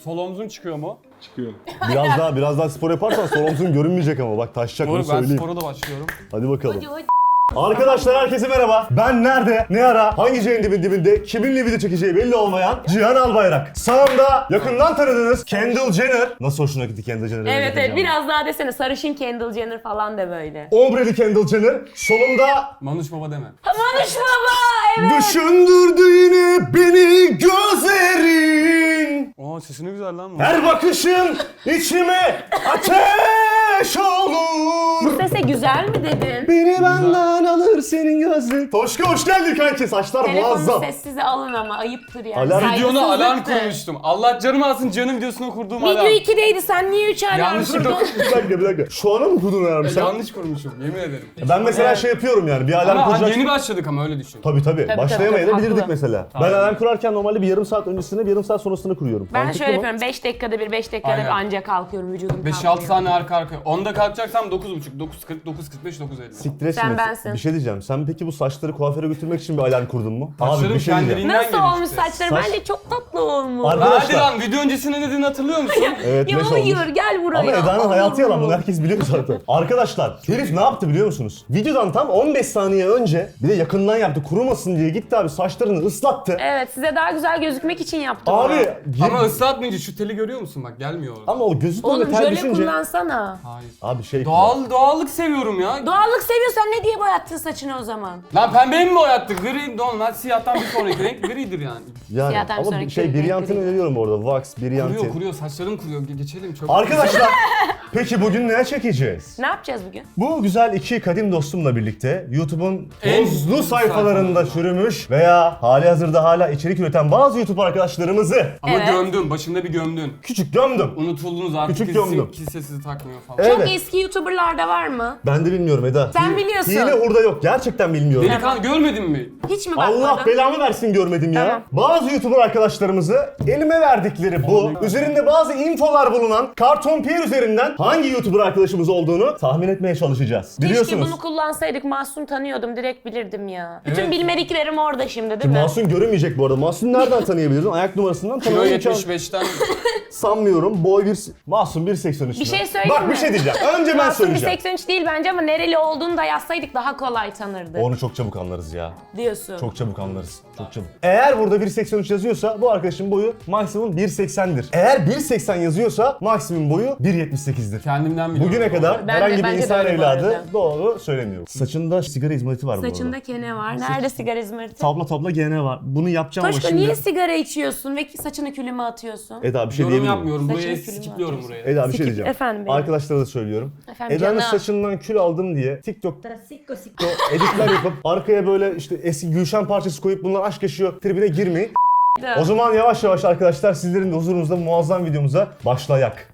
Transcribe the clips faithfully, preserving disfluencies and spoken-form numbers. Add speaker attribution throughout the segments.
Speaker 1: sol omzun çıkıyor mu?
Speaker 2: Çıkıyor.
Speaker 3: Biraz daha biraz daha spor yaparsan sol omzun görünmeyecek ama bak taşacak bunu
Speaker 1: Doğru, ben
Speaker 3: söyleyeyim.
Speaker 1: spora da başlıyorum.
Speaker 3: Hadi bakalım.
Speaker 4: Hadi hadi.
Speaker 3: Arkadaşlar herkese merhaba. Ben nerede, ne ara, hangi şeyin dibin dibinde, kiminle video çekeceği belli olmayan Cihan Albayrak. Sağımda yakından tanıdığınız Kendall Jenner. Nasıl hoşuna gitti Kendall Jenner'ı?
Speaker 4: Evet evet biraz daha desene sarışın Kendall Jenner falan de böyle.
Speaker 3: Ombreli Kendall Jenner. Solumda
Speaker 1: Manuş baba deme.
Speaker 4: Manuş baba evet.
Speaker 3: düşündürdü yine beni gözlerin.
Speaker 1: Aa sesi ne güzel lan bu.
Speaker 3: Her bakışın içime ateş olur.
Speaker 4: Bu sese güzel mi dedin?
Speaker 3: Beni benden alır senin gözlerin. Toşka hoş geldin kanki. Saçlar
Speaker 4: Telefonu
Speaker 3: muazzam.
Speaker 4: sessize alın ama ayıptır yani.
Speaker 3: Alarm-
Speaker 1: Videona alarm
Speaker 4: Saygısızlıktır.
Speaker 1: kurmuştum. Allah canımı alsın, canım videosuna kurduğum alarm.
Speaker 4: Video ikideydi sen niye üç alarm
Speaker 1: Yanlışlıkla
Speaker 4: kurdun?
Speaker 3: Bir dakika bir dakika. Şu ana mı kurdun alarmı sen?
Speaker 1: Yanlış kurmuşum, yemin ederim.
Speaker 3: Ben mesela şey yapıyorum yani bir alarm
Speaker 1: Ama
Speaker 3: kuracak.
Speaker 1: yeni başladık ama öyle düşün.
Speaker 3: Tabii tabii.
Speaker 4: tabii,
Speaker 3: Başlayamayabilirdik
Speaker 4: haklı.
Speaker 3: mesela.
Speaker 1: Tabii.
Speaker 3: Ben alarm kurarken normalde bir yarım saat öncesine bir yarım saat sonrasını kuruyorum.
Speaker 4: Ben
Speaker 3: Mantıklı
Speaker 4: şöyle
Speaker 3: mı?
Speaker 4: yapıyorum beş dakikada bir beş dakikada bir
Speaker 1: Aynen.
Speaker 4: anca kalkıyorum vücudum
Speaker 1: beş
Speaker 4: kalkıyor.
Speaker 1: altı tane arka arkaya. onda kalkacaksam dokuz buçuk, dokuz kırk, dokuz kırk beş, dokuz elli.
Speaker 3: Siktir
Speaker 4: Sen
Speaker 3: etme.
Speaker 4: bensin.
Speaker 3: Bir şey diyeceğim. Sen peki bu saçları kuaföre götürmek için bir alarm kurdun mu? Abi
Speaker 1: Saçlarım
Speaker 3: bir şey diyeceğim.
Speaker 1: kendiliğinden
Speaker 4: Nasıl
Speaker 1: gelişti.
Speaker 4: olmuş saçları?
Speaker 3: Saç-
Speaker 4: Bence çok tatlı olmuş.
Speaker 3: Ar-
Speaker 1: Hadi
Speaker 3: Arkadaşlar.
Speaker 1: lan, video öncesinde ne dediğini hatırlıyor musun?
Speaker 3: Evet,
Speaker 4: Ya
Speaker 3: leş
Speaker 4: hayır
Speaker 3: olmuş.
Speaker 4: gel buraya.
Speaker 3: Ama Eda'nın hayatı yalan, bunu
Speaker 4: Olur.
Speaker 3: herkes biliyor zaten. Arkadaşlar herif ne yaptı biliyor musunuz? Videodan tam on beş saniye önce bir de yakından yaptı, kurumasın diye gitti abi saçlarını ıslattı.
Speaker 4: Evet size daha güzel gözükmek için yaptım
Speaker 3: Abi
Speaker 4: onu.
Speaker 3: gir-
Speaker 1: Ama ıslatmayınca şu teli görüyor musun? Bak gelmiyor orada.
Speaker 3: ama o gözü
Speaker 4: Oğlum
Speaker 3: böyle ter
Speaker 4: jöle
Speaker 3: düşünce.
Speaker 4: kullansana.
Speaker 1: Hayır.
Speaker 3: Abi şey
Speaker 1: Doğal, doğallık seviyorum ya.
Speaker 4: Doğallık seviyorsan ne diye boyattın saçını o zaman?
Speaker 1: Lan pembeyi mi boyattık? Gri, normal siyahtan bir sonraki renk gridir yani.
Speaker 3: Yani
Speaker 4: Siyahtan
Speaker 3: ama
Speaker 4: sonraki
Speaker 3: şey
Speaker 4: renk
Speaker 3: Brilliant'ını
Speaker 4: renk.
Speaker 3: öneriyorum bu arada. Wax, Brilliant'in.
Speaker 1: Kuruyor kuruyor, saçlarım kuruyor. Ge- Geçelim çok.
Speaker 3: Arkadaşlar peki bugün ne çekeceğiz?
Speaker 4: Ne yapacağız bugün?
Speaker 3: Bu güzel iki kadim dostumla birlikte YouTube'un
Speaker 1: En
Speaker 3: tozlu
Speaker 1: uzun
Speaker 3: sayfalarında
Speaker 1: sayfalarında.
Speaker 3: çürümüş veya hali hazırda hala içerik üreten bazı YouTube arkadaşlarımızı
Speaker 1: Ama
Speaker 4: Evet.
Speaker 1: gömdün, başında bir gömdün.
Speaker 3: küçük gömdüm.
Speaker 1: Unutuldunuz artık,
Speaker 3: Küçük
Speaker 1: kimse,
Speaker 3: gömdüm.
Speaker 1: kimse sizi takmıyor falan.
Speaker 3: Evet.
Speaker 4: Çok eski YouTuber'larda var mı?
Speaker 3: Ben de bilmiyorum Eda.
Speaker 4: Sen
Speaker 3: Hi-
Speaker 4: biliyorsun.
Speaker 3: Hile hurda yok. Gerçekten bilmiyorum.
Speaker 1: Delikanlı görmedin mi?
Speaker 4: Hiç mi bakmadın?
Speaker 3: Allah belamı versin görmedim ya.
Speaker 4: Tamam.
Speaker 3: Bazı YouTuber arkadaşlarımızı elime verdikleri bu, üzerinde bazı infolar bulunan karton piyer üzerinden hangi YouTuber arkadaşımız olduğunu tahmin etmeye çalışacağız.
Speaker 4: Keşke
Speaker 3: Biliyorsunuz.
Speaker 4: bunu kullansaydık. Masum tanıyordum. Direkt bilirdim ya. Bütün
Speaker 1: Evet.
Speaker 4: bilmediklerim orada şimdi değil mi?
Speaker 3: Masum görünmeyecek bu arada. Masum nereden tanıyabilirdin? Ayak numarasından
Speaker 1: Kilo
Speaker 3: tanımayı imkan
Speaker 1: yetmiş beşten
Speaker 3: sanmıyorum. Boy bir... Masum bir seksen üç.
Speaker 4: Bir şey söyleyeyim
Speaker 3: Bak
Speaker 4: mi?
Speaker 3: bir şey diyeceğim. Önce ben
Speaker 4: Masum bir
Speaker 3: söyleyeceğim.
Speaker 4: seksen üç değil bence ama nereli olduğunu da yazsaydık daha kolay tanırdık
Speaker 3: Onu çok çabuk anlarız ya.
Speaker 4: diyorsun.
Speaker 3: Çok çabuk anlarız. Çok çabuk. Eğer burada bir seksen üç yazıyorsa bu arkadaşın boyu maksimum bir seksendir. Eğer bir seksen yazıyorsa maksimum boyu bir yetmiş sekizdir.
Speaker 1: kendimden biliyorum.
Speaker 3: Bugüne kadar
Speaker 4: Ben de-
Speaker 3: herhangi bir
Speaker 4: bence de
Speaker 3: insan
Speaker 4: öyle bu
Speaker 3: evladı
Speaker 4: arada.
Speaker 3: doğru söylemiyor. Saçında sigara izmariti var bu
Speaker 4: Saçında
Speaker 3: arada.
Speaker 4: kene var. Nerede sigara izmariti?
Speaker 3: Tabla tabla gene var. Bunu yapacağım ama
Speaker 4: Toşko
Speaker 3: şimdi...
Speaker 4: niye sigara içiyorsun ve saçını külüme atıyorsun?
Speaker 3: Eda bir şey
Speaker 1: Yorum
Speaker 3: diyebilir miyim?
Speaker 1: yapmıyorum. Buraya
Speaker 4: Saçını külüme
Speaker 1: skipliyorum
Speaker 4: atıyorsun.
Speaker 1: buraya.
Speaker 3: Eda bir şey
Speaker 4: Sikip-
Speaker 3: diyeceğim.
Speaker 4: efendim benim.
Speaker 3: Arkadaşlara da söylüyorum.
Speaker 4: Efendim
Speaker 3: Eda'nın
Speaker 4: canım.
Speaker 3: saçından kül aldım diye TikTok'ta
Speaker 4: Sikko sikko.
Speaker 3: editler yapıp arkaya böyle işte eski Gülşen parçası koyup bunlar aşk yaşıyor tribine girmeyin. O zaman yavaş yavaş arkadaşlar sizlerin de huzurunuzda muazzam videomuza başlayak.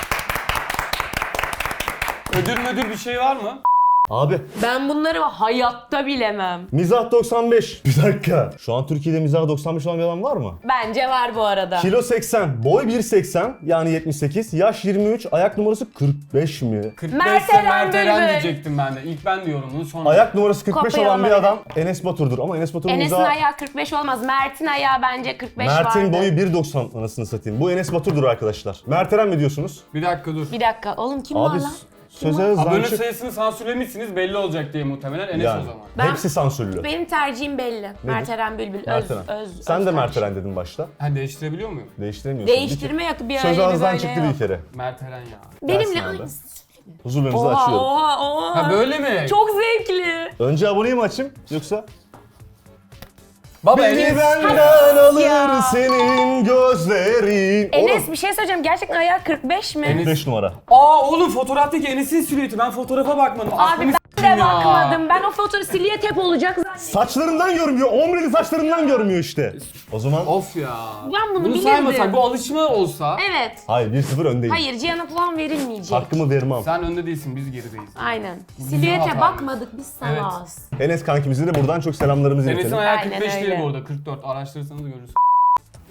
Speaker 1: Ödül müdür bir şey var mı?
Speaker 3: Abi
Speaker 4: Ben bunları hayatta bilemem.
Speaker 3: mizah doksan beş. Bir dakika. Şu an Türkiye'de mizah doksan beş olan bir adam var mı?
Speaker 4: Bence var bu arada.
Speaker 3: Kilo seksen, boy bir seksen yani yetmiş sekiz, yaş yirmi üç, ayak numarası kırk beş mi?
Speaker 1: kırk
Speaker 4: Mert
Speaker 1: beşse
Speaker 4: Eren
Speaker 1: Mert Eren
Speaker 4: Bülbül.
Speaker 1: diyecektim ben de. İlk ben diyorum bunu sonra.
Speaker 3: Ayak numarası kırk beş
Speaker 4: Kopya
Speaker 3: olan bir
Speaker 4: olabilir.
Speaker 3: adam Enes Batur'dur ama Enes Batur'un
Speaker 4: Enes'in
Speaker 3: mizahı...
Speaker 4: ayağı kırk beş olmaz. Mert'in ayağı bence kırk beş vardı.
Speaker 3: Mert'in boyu bir doksan anasını satayım. Bu Enes Batur'dur arkadaşlar. Mert Eren mi diyorsunuz?
Speaker 1: Bir dakika dur.
Speaker 4: Bir dakika. Oğlum kim
Speaker 3: Abi
Speaker 4: var lan?
Speaker 3: söze
Speaker 1: Abone
Speaker 3: zançık.
Speaker 1: sayısını sansürlemişsiniz belli olacak diye muhtemelen Enes
Speaker 3: Yani.
Speaker 1: o zaman.
Speaker 4: Ben-
Speaker 3: Hepsi sansürlü.
Speaker 4: Benim tercihim belli. Mert Eren Bülbül. Öz,
Speaker 3: Mert Eren.
Speaker 4: öz,
Speaker 3: Sen
Speaker 4: öz
Speaker 3: de Mert
Speaker 4: kardeşim.
Speaker 3: Eren dedin başta.
Speaker 1: Ha değiştirebiliyor muyum?
Speaker 3: Değiştiremiyorsun.
Speaker 4: Değiştirme yok bir
Speaker 3: Bir
Speaker 4: öyle
Speaker 3: Söz
Speaker 4: bir
Speaker 3: ağızdan
Speaker 4: böyle
Speaker 3: çıktı
Speaker 4: yok.
Speaker 3: bir kere.
Speaker 1: Mert Eren ya.
Speaker 4: Benimle
Speaker 3: Dersin abi.
Speaker 4: aynı.
Speaker 3: Huzurlarınızı
Speaker 4: Oha
Speaker 3: açıyorum.
Speaker 4: oha oha.
Speaker 1: Ha böyle mi?
Speaker 4: Çok zevkli.
Speaker 3: Önce aboneyi mi açayım yoksa?
Speaker 1: Baba
Speaker 3: Beni
Speaker 1: Enes.
Speaker 3: benden alır
Speaker 4: ya.
Speaker 3: senin gözlerin.
Speaker 4: Enes
Speaker 3: Oğlum,
Speaker 4: bir şey söyleyeceğim. Gerçekten ayağı kırk beş mi?
Speaker 1: Enes-
Speaker 3: beş numara.
Speaker 1: Aa oğlum fotoğraftaki Enes'in silüeti. Ben fotoğrafa bakmadım.
Speaker 4: Abi
Speaker 1: Aklımı
Speaker 4: ben
Speaker 1: s**tim
Speaker 4: de
Speaker 1: ya.
Speaker 4: bakmadım. Ben o fotoğrafı siliyet hep olacak zannettim.
Speaker 3: Saçlarından görmüyor. Omreli saçlarından görmüyor işte. O zaman
Speaker 1: Of ya.
Speaker 4: Ben bunu
Speaker 1: Bunu
Speaker 4: bilirdim.
Speaker 1: saymasak bu alışma olsa.
Speaker 4: Evet.
Speaker 3: hayır bir sıfır öndeyim.
Speaker 4: Hayır Cihan'a puan verilmeyecek.
Speaker 3: Hakkımı vermem.
Speaker 1: Sen önde değilsin biz gerideyiz.
Speaker 4: Aynen.
Speaker 1: bizim
Speaker 4: Silüete
Speaker 1: hatamız.
Speaker 4: bakmadık biz salağız.
Speaker 3: Enes kankimize de buradan çok selamlarımızı
Speaker 1: Enes'in
Speaker 3: iletelim.
Speaker 1: ayağı
Speaker 4: Aynen
Speaker 1: kırk beş
Speaker 4: öyle.
Speaker 1: değil bu arada kırk dört. Araştırırsanız görürsünüz.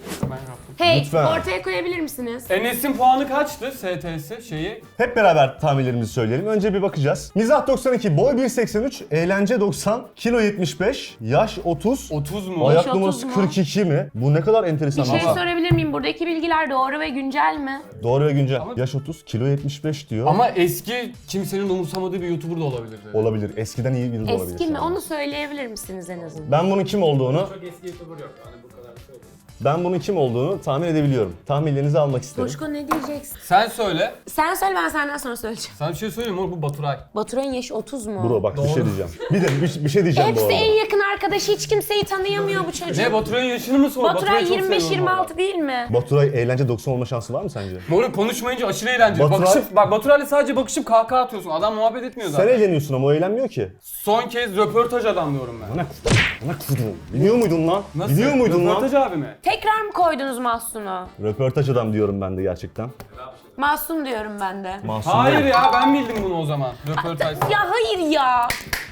Speaker 1: Ben yaptım.
Speaker 4: Hey,
Speaker 3: Lütfen.
Speaker 4: ortaya koyabilir misiniz?
Speaker 1: Enes'in puanı kaçtı S T S şeyi?
Speaker 3: Hep beraber tahminlerimizi söyleyelim. Önce bir bakacağız. Mizah doksan iki, boy bir seksen üç, eğlence doksan, kilo yetmiş beş, yaş otuz,
Speaker 1: otuz mu?
Speaker 3: ayak
Speaker 4: otuz
Speaker 3: numarası
Speaker 4: mu?
Speaker 3: kırk iki mi? Bu ne kadar enteresan
Speaker 4: Bir şey
Speaker 3: ama.
Speaker 4: sorabilir miyim? Buradaki bilgiler doğru ve güncel mi?
Speaker 3: Doğru ve güncel.
Speaker 1: Ama-
Speaker 3: Yaş otuz, kilo yetmiş beş diyor.
Speaker 1: Ama eski kimsenin umursamadığı bir YouTuber da olabilir. dedi.
Speaker 3: Olabilir. Eskiden iyi biri de olabilir.
Speaker 4: Eski mi?
Speaker 3: şu an.
Speaker 4: Onu söyleyebilir misiniz en azından?
Speaker 3: Ben bunun kim olduğunu,
Speaker 1: Çok eski YouTuber yok. Hani bu kadar bir şey olur.
Speaker 3: ben bunun kim olduğunu tahmin edebiliyorum. Tahminlerinizi almak isterim.
Speaker 4: Toşko ne diyeceksin?
Speaker 1: Sen söyle.
Speaker 4: Sen söyle, ben senden sonra söyleyeceğim.
Speaker 1: Sana bir şey söyleyeyim mi? Bu Baturay.
Speaker 4: Baturay'ın yaşı otuz mu?
Speaker 3: Bro bak bir
Speaker 1: Doğru.
Speaker 3: şey diyeceğim. Bir de bir, bir şey diyeceğim bu
Speaker 4: Hepsi
Speaker 3: arada.
Speaker 4: en yakın arkadaşı, hiç kimseyi tanıyamıyor bu çocuk.
Speaker 1: Ne Baturay'ın yaşını mı sor?
Speaker 4: Baturay
Speaker 1: Baturay'ı çok
Speaker 4: yirmi beş
Speaker 1: seviyorum
Speaker 4: yirmi
Speaker 1: valla.
Speaker 4: altı değil mi?
Speaker 3: Baturay eğlence doksan olma şansı var mı sence?
Speaker 1: Moruk konuşmayınca aşırı eğlenceli.
Speaker 3: Baturay-
Speaker 1: Bakışıp, bak Baturay'la sadece bakışıp kahkaha atıyorsun. Adam muhabbet etmiyor
Speaker 3: Sen
Speaker 1: zaten.
Speaker 3: eğleniyorsun ama o eğlenmiyor ki.
Speaker 1: Son kez röportaj adam diyorum ben.
Speaker 3: Ana ana kudum. Biliyor muydun lan?
Speaker 1: Nasıl?
Speaker 3: Biliyor muydun
Speaker 1: Röportaj
Speaker 3: lan?
Speaker 1: abi mi?
Speaker 4: Tekrar mı koydunuz Mahsun'u?
Speaker 3: Röportaj adam diyorum ben de gerçekten.
Speaker 4: Mahsun diyorum ben de.
Speaker 3: Mahsun
Speaker 1: Hayır
Speaker 3: değil.
Speaker 1: ya ben bildim bunu o zaman. Röportaj.
Speaker 4: Ya hayır ya.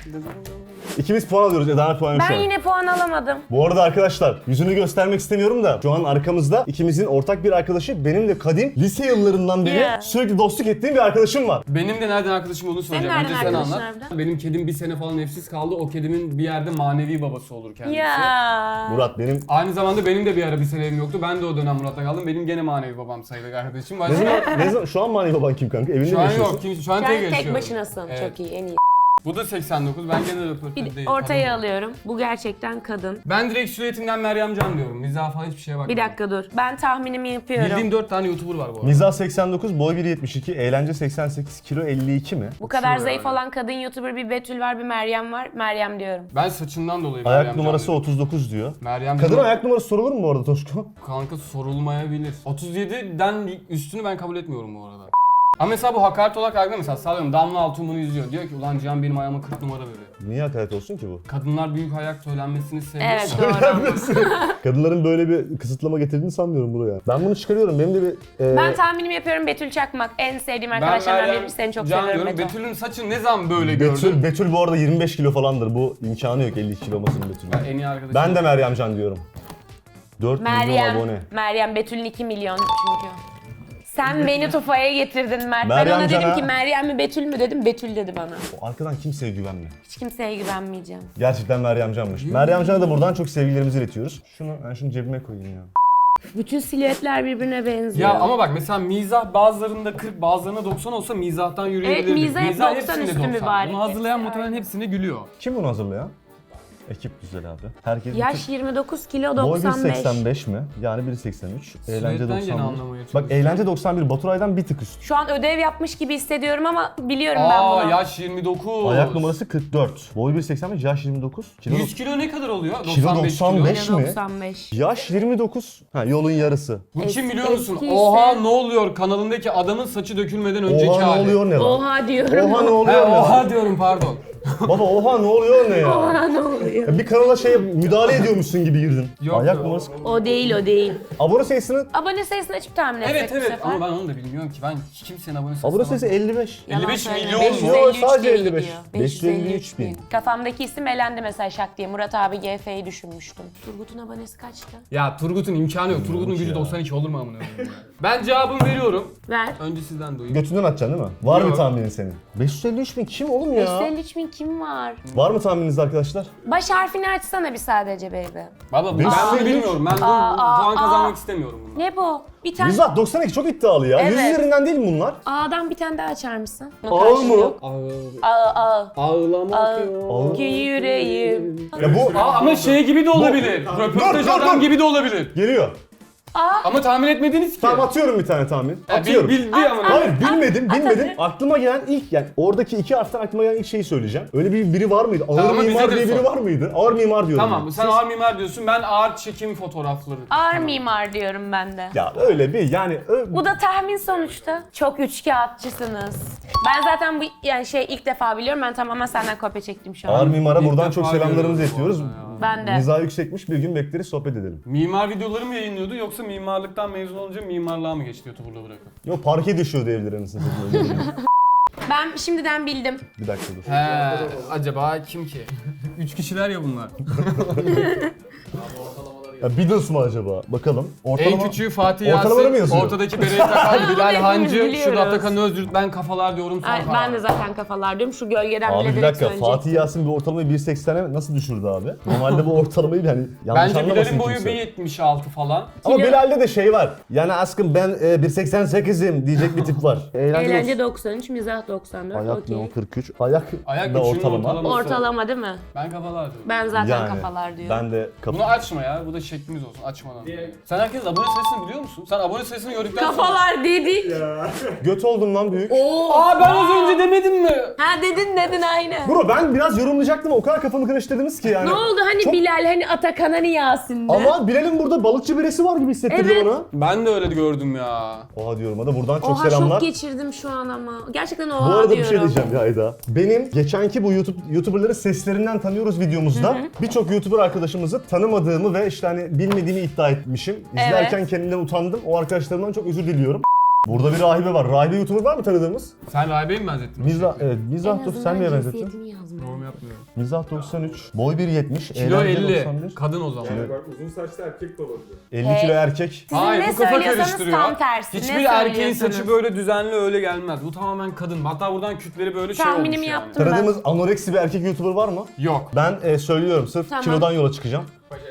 Speaker 3: İkimiz puan alıyoruz. Eda'nın puanı şu
Speaker 4: Ben
Speaker 3: an.
Speaker 4: yine puan alamadım.
Speaker 3: Bu arada arkadaşlar yüzünü göstermek istemiyorum da şu an arkamızda ikimizin ortak bir arkadaşı, benim de kadim lise yıllarından beri
Speaker 4: Yeah.
Speaker 3: sürekli dostluk ettiğim bir arkadaşım var.
Speaker 1: Benim de nereden arkadaşım olduğunu söyleyeceğim.
Speaker 4: nereden
Speaker 1: Önce sen
Speaker 4: arkadaşın
Speaker 1: anlat.
Speaker 4: harbiden?
Speaker 1: Benim kedim bir sene falan evsiz kaldı. O kedimin bir yerde manevi babası olur kendisi.
Speaker 4: Ya.
Speaker 3: Murat benim
Speaker 1: Aynı zamanda benim de bir ara bir sene evim yoktu. Ben de o dönem Murat'ta kaldım. Benim gene manevi babam sayılır kardeşim.
Speaker 3: ne
Speaker 1: Başka...
Speaker 3: zaman, ne zaman şu an manevi baban kim kanka? Evinde
Speaker 1: Şu
Speaker 3: mi
Speaker 1: an
Speaker 3: yaşıyorsun?
Speaker 1: yok. Kim, şu an
Speaker 4: Sen
Speaker 1: tek
Speaker 4: tek
Speaker 1: yaşıyorum.
Speaker 4: başınasın.
Speaker 1: Evet.
Speaker 4: Çok iyi, en iyi.
Speaker 1: Bu da seksen dokuz. Ben gene röportaj
Speaker 4: Bir
Speaker 1: değil.
Speaker 4: ortaya
Speaker 1: Kadın.
Speaker 4: alıyorum. Bu gerçekten kadın.
Speaker 1: Ben direkt silüetinden Meryem Can diyorum. Mizah falan hiçbir şeye bakmıyorum.
Speaker 4: Bir dakika dur. Ben tahminimi yapıyorum.
Speaker 1: Bildiğim dört tane YouTuber var bu arada.
Speaker 3: Mizah seksen dokuz, boy bir yetmiş iki, eğlence seksen sekiz, kilo elli iki mi?
Speaker 4: Bu kadar
Speaker 1: Uçuyor
Speaker 4: zayıf
Speaker 1: yani.
Speaker 4: olan kadın YouTuber bir Betül var, bir Meryem var. Meryem diyorum.
Speaker 1: Ben saçından dolayı
Speaker 3: Ayak
Speaker 1: Meryem Can
Speaker 3: numarası
Speaker 1: diyorum.
Speaker 3: otuz dokuz diyor.
Speaker 1: Meryem
Speaker 3: Kadın
Speaker 1: Can-
Speaker 3: ayak numarası sorulur mu bu arada Toşko?
Speaker 1: Kanka sorulmayabilir. otuz yediden üstünü ben kabul etmiyorum bu arada. Ama mesela bu hakaret olarak algıda mesela sallıyorum Damla Altun bunu izliyor. Diyor ki ulan Cihan benim ayağıma kırk numara veriyor.
Speaker 3: Niye hakaret olsun ki bu?
Speaker 1: Kadınlar büyük ayak söylenmesini seviyor.
Speaker 4: Evet doğru.
Speaker 3: Kadınların böyle bir kısıtlama getirdiğini sanmıyorum buraya. Ben bunu çıkarıyorum. Benim de bir... e,
Speaker 4: Ben tahminimi yapıyorum, Betül Çakmak. En sevdiğim
Speaker 1: Ben
Speaker 4: arkadaşlarımdan
Speaker 1: Meryem
Speaker 4: biri. Seni çok
Speaker 1: Can
Speaker 4: seviyorum
Speaker 1: diyorum.
Speaker 4: Betül.
Speaker 1: Betül'ün saçı ne zaman böyle
Speaker 3: Betül,
Speaker 1: gördün?
Speaker 3: Betül bu arada yirmi beş kilo falandır. Bu imkanı yok elli iki kilo olmasının Betül'ün.
Speaker 1: Ben en iyi arkadaşım.
Speaker 3: Ben de Meryem Can diyorum. dört milyon
Speaker 4: Meryem.
Speaker 3: abone.
Speaker 4: Meryem. Betül'ün iki milyon çünkü. Sen beni tufaya getirdin Mert.
Speaker 3: Meryem
Speaker 4: ben ona dedim
Speaker 3: Can'a-
Speaker 4: ki Meryem mi Betül mü dedim. Betül dedi bana.
Speaker 3: O arkadan kimseye güvenme.
Speaker 4: Hiç kimseye güvenmeyeceğim.
Speaker 3: Gerçekten Meryem Can'mış. Meryem Can'a da buradan çok sevgilerimizi iletiyoruz. Şunu, ben şunu cebime koyayım ya.
Speaker 4: Bütün silüetler birbirine benziyor.
Speaker 1: Ya ama bak mesela mizah bazılarında kırk bazılarında doksan olsa mizahtan yürüyebilirdik.
Speaker 4: Evet, mizah hep doksan
Speaker 1: hepsinde
Speaker 4: üstü
Speaker 1: doksan.
Speaker 4: mübarek.
Speaker 1: Bunu hazırlayan
Speaker 4: Hepsi
Speaker 1: muhtemelen
Speaker 4: aynı.
Speaker 1: hepsine gülüyor.
Speaker 3: Kim bunu hazırlayan? Ekip güzel abi. Herkes
Speaker 4: Yaş yirmi dokuz kilo
Speaker 3: boy bir
Speaker 4: doksan beş.
Speaker 3: seksen beş mi? Yani bir seksen üç. Eğlence
Speaker 1: Sürekli gene
Speaker 3: doksan bir.
Speaker 1: anlamaya
Speaker 3: Bak
Speaker 1: çalışıyorum.
Speaker 3: eğlence doksan bir Baturay'dan bir tık üst.
Speaker 4: Şu an ödev yapmış gibi hissediyorum ama biliyorum ben
Speaker 1: Aa
Speaker 4: bunu.
Speaker 1: yaş yirmi dokuz.
Speaker 3: Ayak numarası kırk dört. Boy bir seksen beş, yaş yirmi dokuz. Kilo,
Speaker 1: yüz kilo ne kadar oluyor?
Speaker 3: Kilo
Speaker 1: doksan beş kilo.
Speaker 3: doksan beş.
Speaker 4: Kilo
Speaker 3: mi?
Speaker 4: doksan beş.
Speaker 3: yaş yirmi dokuz. Ha yolun yarısı.
Speaker 1: Bu
Speaker 4: Eski-
Speaker 1: kim biliyor musun?
Speaker 4: eskiyse-
Speaker 1: Oha ne oluyor kanalındaki adamın saçı dökülmeden önceki
Speaker 3: Oha ne
Speaker 1: hali.
Speaker 3: oluyor ne lan?
Speaker 4: Oha diyorum.
Speaker 3: Oha ne
Speaker 1: He
Speaker 3: oluyor ne lan?
Speaker 1: oha diyorum pardon.
Speaker 3: Baba oha ne oluyor ne ya?
Speaker 4: Oha ne oluyor?
Speaker 3: Ya bir kanala şey müdahale ediyormuşsun gibi girdin.
Speaker 1: Yok,
Speaker 3: Ayak
Speaker 1: yok.
Speaker 3: numarası.
Speaker 4: O değil o değil.
Speaker 3: Abone sayısını
Speaker 4: Abone sayısını açıp tahmin etsek
Speaker 1: Evet
Speaker 4: bu
Speaker 1: evet
Speaker 4: sefer.
Speaker 1: ama ben onu da bilmiyorum ki. Ben kimsenin abonesi
Speaker 3: abone sayısı elli beş.
Speaker 4: Yalan
Speaker 1: elli beş
Speaker 4: söyleme.
Speaker 1: milyon
Speaker 4: beş yüz
Speaker 1: mu?
Speaker 4: elli üç
Speaker 3: Yo, sadece
Speaker 4: diye
Speaker 3: elli beş.
Speaker 4: gidiyor.
Speaker 3: beş yüz elli üç bin.
Speaker 4: Kafamdaki isim elendi mesela şak diye. Murat abi G F'yi düşünmüştüm. Turgut'un abonesi kaçtı?
Speaker 1: Ya Turgut'un imkanı yok. Turgut'un gücü
Speaker 3: ya.
Speaker 1: doksan iki olur mu amına koyayım ya? Ben cevabımı veriyorum.
Speaker 4: Ver.
Speaker 1: Önce sizden duyayım.
Speaker 3: Götünden atacaksın değil mi? Var mı
Speaker 1: Yok.
Speaker 3: tahminin senin? beş yüz elli üç bin kim oğlum
Speaker 4: beş yüz
Speaker 3: ya?
Speaker 4: elli üç bin kim var?
Speaker 3: Var mı tahmininiz arkadaşlar?
Speaker 4: Baş harfini açsana bir sadece baby.
Speaker 1: Baba bu-
Speaker 3: beş yüz
Speaker 1: ben bunu
Speaker 3: elli üç.
Speaker 1: bilmiyorum. Ben bu
Speaker 4: Aa, aa,
Speaker 1: puan
Speaker 4: aa.
Speaker 1: kazanmak istemiyorum bunu.
Speaker 4: Ne bu? Bir tane
Speaker 3: Mizah doksan iki çok iddialı ya. yüz
Speaker 4: Evet.
Speaker 3: üzerinden değil mi bunlar?
Speaker 4: A'dan bir tane daha açar mısın?
Speaker 3: Ağır mı?
Speaker 4: A A.
Speaker 1: Ağlamak
Speaker 3: Ağır.
Speaker 4: Ki yüreğim.
Speaker 3: Ya bu
Speaker 1: Aa, ama şey gibi de olabilir. Röportaj
Speaker 3: Dur, dur,
Speaker 1: adam
Speaker 3: dur.
Speaker 1: gibi de olabilir.
Speaker 3: geliyor.
Speaker 1: Ama tahmin etmediniz ki.
Speaker 3: Tamam atıyorum bir tane tahmin.
Speaker 1: Ya, bil-
Speaker 3: Atıyorum.
Speaker 1: bildi ama.
Speaker 3: Hayır bilmedim
Speaker 4: at
Speaker 3: bilmedim.
Speaker 4: hadi.
Speaker 3: Aklıma gelen ilk yani oradaki iki harften aklıma gelen ilk şeyi söyleyeceğim. Öyle bir biri var mıydı? Ağır
Speaker 1: Tamam,
Speaker 3: mimar
Speaker 1: bize de
Speaker 3: diye biri
Speaker 1: sor.
Speaker 3: var mıydı? Ağır mimar diyorum.
Speaker 1: Tamam
Speaker 3: ben.
Speaker 1: sen
Speaker 3: Siz-
Speaker 1: ağır mimar diyorsun. Ben ağır çekim fotoğrafları.
Speaker 4: Ağır mimar diyorum ben de.
Speaker 3: Ya öyle bir yani ö-
Speaker 4: Bu da tahmin sonuçta. Çok üçkağıtçısınız. Ben zaten bu yani şey ilk defa biliyorum. Ben tamamen senden kopya çektim şu an.
Speaker 3: Ağır mimara
Speaker 1: İlk
Speaker 3: buradan
Speaker 1: defa
Speaker 3: çok selamlarımızı
Speaker 1: görüyorum bu
Speaker 3: iletiyoruz.
Speaker 1: arada ya.
Speaker 4: Ben de.
Speaker 3: Mizah yüksekmiş, bir gün bekleriz sohbet edelim.
Speaker 1: Mimar videoları mı yayınlıyordu yoksa mimarlıktan mezun olunca mimarlığa mı geçti YouTuber'la bırakıp?
Speaker 3: Yo parke düşüyor evleri anasını satayım.
Speaker 4: Ben şimdiden bildim.
Speaker 3: Bir dakika dur.
Speaker 1: He, acaba kim ki? Üç kişiler ya bunlar.
Speaker 3: Ya Beatles mı acaba? Bakalım.
Speaker 1: En küçüğü Fatih
Speaker 3: Ortalamaları mı
Speaker 1: Yasin,
Speaker 3: yazıyor?
Speaker 1: ortadaki bereyi takan Bilal
Speaker 4: Hepimiz
Speaker 1: Hancı,
Speaker 4: biliyoruz.
Speaker 1: şurada Atakan Özdürt, ben kafalar diyorum son
Speaker 4: Ay,
Speaker 1: karar.
Speaker 4: ben de zaten kafalar diyorum. Şu gölgeden
Speaker 3: Abi
Speaker 4: bile
Speaker 3: bir
Speaker 4: direkt
Speaker 3: dakika,
Speaker 4: söyleyecektim.
Speaker 3: Fatih Yasin bir ortalamayı bir seksene nasıl düşürdü abi? Normalde bu ortalamayı yani yanlış
Speaker 1: Bence
Speaker 3: anlamasın
Speaker 1: Bilal'in boyu
Speaker 3: kimse.
Speaker 1: bir yetmiş altı falan.
Speaker 3: Ama
Speaker 4: Kilo-
Speaker 3: Bilal'de de şey var. Yani aşkım ben e, bir seksen sekizim diyecek bir tip var.
Speaker 4: Eğlence doksan üç, mizah doksan dört.
Speaker 3: Ayak
Speaker 4: Okey.
Speaker 3: ne o kırk üç. Ayak,
Speaker 1: Ayak
Speaker 3: da
Speaker 1: üçünün
Speaker 3: ortalama.
Speaker 1: ortalaması.
Speaker 4: Ortalama değil mi?
Speaker 1: Ben kafalar diyorum.
Speaker 4: Ben zaten
Speaker 3: Yani
Speaker 4: kafalar diyorum.
Speaker 3: ben de kafa.
Speaker 1: Bunu açma ya, bu da şeklimiz olsun, açmadan. Sen herkes abone sayısını biliyor musun? Sen abone sayısını gördükten sonra...
Speaker 4: Kafalar dedik.
Speaker 3: Göt oldum lan büyük.
Speaker 4: Oo.
Speaker 1: Aa ben az önce demedim mi?
Speaker 4: Ha dedin dedin aynı.
Speaker 3: Bro ben biraz yorumlayacaktım o kadar kafamı karıştırdınız ki yani.
Speaker 4: Ne oldu hani
Speaker 3: Çok-
Speaker 4: Bilal hani Atakan hani Yasin'di.
Speaker 3: Ama Bilal'in burada balıkçı birisi var gibi hissettiriyor
Speaker 4: Evet.
Speaker 3: bana.
Speaker 1: Ben de öyle gördüm ya.
Speaker 3: Oha diyorum hadi buradan çok
Speaker 4: Oha
Speaker 3: selamlar.
Speaker 4: şok geçirdim şu an ama. Gerçekten
Speaker 3: Bu
Speaker 4: oha
Speaker 3: arada
Speaker 4: diyorum.
Speaker 3: bir şey diyeceğim ya Ayda. Benim geçenki bu YouTube YouTuber'ları seslerinden tanıyoruz videomuzda birçok YouTuber arkadaşımızı tanımadığımı ve işte hani bilmediğimi iddia etmişim. İzlerken
Speaker 4: Evet.
Speaker 3: kendimden utandım. O arkadaşlarımdan çok özür diliyorum. Burada bir rahibe var. Rahibe YouTuber var mı tanıdığımız?
Speaker 1: Sen rahibeyi mi benzettin?
Speaker 3: Mizah, evet, Mizah
Speaker 4: En
Speaker 3: dur sen niye
Speaker 4: azından
Speaker 3: benzettin?
Speaker 4: cinsiyetimi yazmıyor.
Speaker 1: Yorum yapmıyorum.
Speaker 3: Mizah doksan üç, boy bir yetmiş,
Speaker 1: Kilo
Speaker 3: eğlence
Speaker 1: elli.
Speaker 3: doksan bir,
Speaker 1: Kadın o zaman.
Speaker 2: Yani bak uzun saçlı erkek de olabilir.
Speaker 3: elli kilo
Speaker 4: Hey.
Speaker 3: erkek.
Speaker 4: Sizin
Speaker 1: Hayır
Speaker 4: ne
Speaker 1: bu kafa
Speaker 4: söylüyorsanız
Speaker 1: karıştırıyor.
Speaker 4: tam tersi.
Speaker 1: Hiçbir
Speaker 4: Ne
Speaker 1: erkeğin
Speaker 4: söylüyorsanız?
Speaker 1: saçı böyle düzenli öyle gelmez. Bu tamamen kadın. Hatta buradan kütleri böyle şey olmuş
Speaker 4: Tahminimi
Speaker 1: yani.
Speaker 4: yaptım.
Speaker 3: Tanıdığımız anoreksi bir erkek YouTuber var mı?
Speaker 1: Yok.
Speaker 3: Ben e, söylüyorum sırf
Speaker 4: Tamam.
Speaker 3: kilodan yola çıkacağım.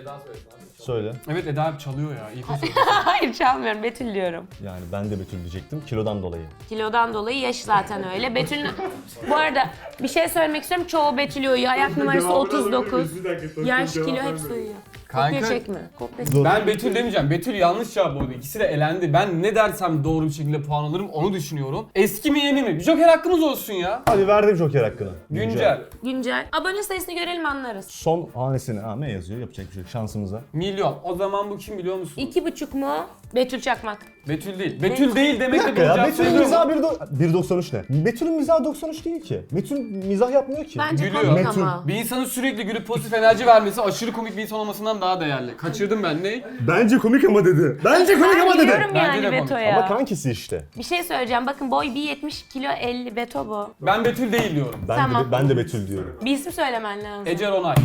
Speaker 3: Söyle.
Speaker 1: Evet Eda hep çalıyor ya. İyi ki söylüyorsun.
Speaker 4: Hayır çalmıyorum Betül diyorum.
Speaker 3: Yani ben de Betül diyecektim kilodan dolayı.
Speaker 4: Kilodan dolayı yaş zaten öyle. Betül bu arada bir şey söylemek istiyorum. Çoğu Betül uyuyor. Ayak numarası
Speaker 2: Devamını
Speaker 4: otuz
Speaker 2: alabilir
Speaker 4: dokuz.
Speaker 2: miyiz? Bir dakika, tek
Speaker 4: Yaş
Speaker 2: tek
Speaker 4: kilo
Speaker 2: cevap
Speaker 4: hepsi
Speaker 2: vermeyin.
Speaker 4: uyuyor.
Speaker 1: Kanka-
Speaker 4: Kopya çekme. Kopya
Speaker 3: Dur.
Speaker 4: çekme.
Speaker 1: Ben Betül demeyeceğim. Betül yanlış cevap oldu. İkisi de elendi. Ben ne dersem doğru bir şekilde puan alırım onu düşünüyorum. Eski mi yeni mi? Bir Joker hakkımız olsun ya.
Speaker 3: Hadi verdim Joker hakkını.
Speaker 1: Güncel.
Speaker 4: Güncel. Abone sayısını görelim anlarız.
Speaker 3: Son hanesine ha ne yazıyor yapacak bir şey yok şansımıza.
Speaker 1: Milyon. O zaman bu kim biliyor musun?
Speaker 4: İki buçuk mu? Betül Çakmak.
Speaker 1: Betül değil. Betül değil
Speaker 3: Bir
Speaker 1: demek de
Speaker 3: dakika
Speaker 1: doğru
Speaker 3: ya
Speaker 1: cevap
Speaker 3: Betül'ün
Speaker 1: sayılır
Speaker 3: mizahı
Speaker 1: mı?
Speaker 3: bir do- bir doksan üç ne? Betül'ün mizahı doksan üç değil ki. Betül mizah yapmıyor ki.
Speaker 4: Bence
Speaker 1: Gülüyor.
Speaker 4: komik
Speaker 3: Betül.
Speaker 4: ama.
Speaker 1: Bir insanın sürekli gülüp pozitif enerji vermesi aşırı komik bir insan olmasından daha değerli. Kaçırdım ben ne?
Speaker 3: Bence komik ama dedi. Bence komik
Speaker 4: Ben
Speaker 3: ama dedi.
Speaker 4: biliyorum
Speaker 1: Bence
Speaker 4: yani
Speaker 1: de komik.
Speaker 4: Beto'ya.
Speaker 3: Ama kankisi işte.
Speaker 4: Bir şey söyleyeceğim. Bakın boy bir yetmiş kilo elli Beto bu.
Speaker 1: Ben Betül değil diyorum.
Speaker 3: Ben
Speaker 4: Tamam.
Speaker 3: de ben de Betül diyorum.
Speaker 4: Bir isim söylemen lazım.
Speaker 1: Ece Ronay.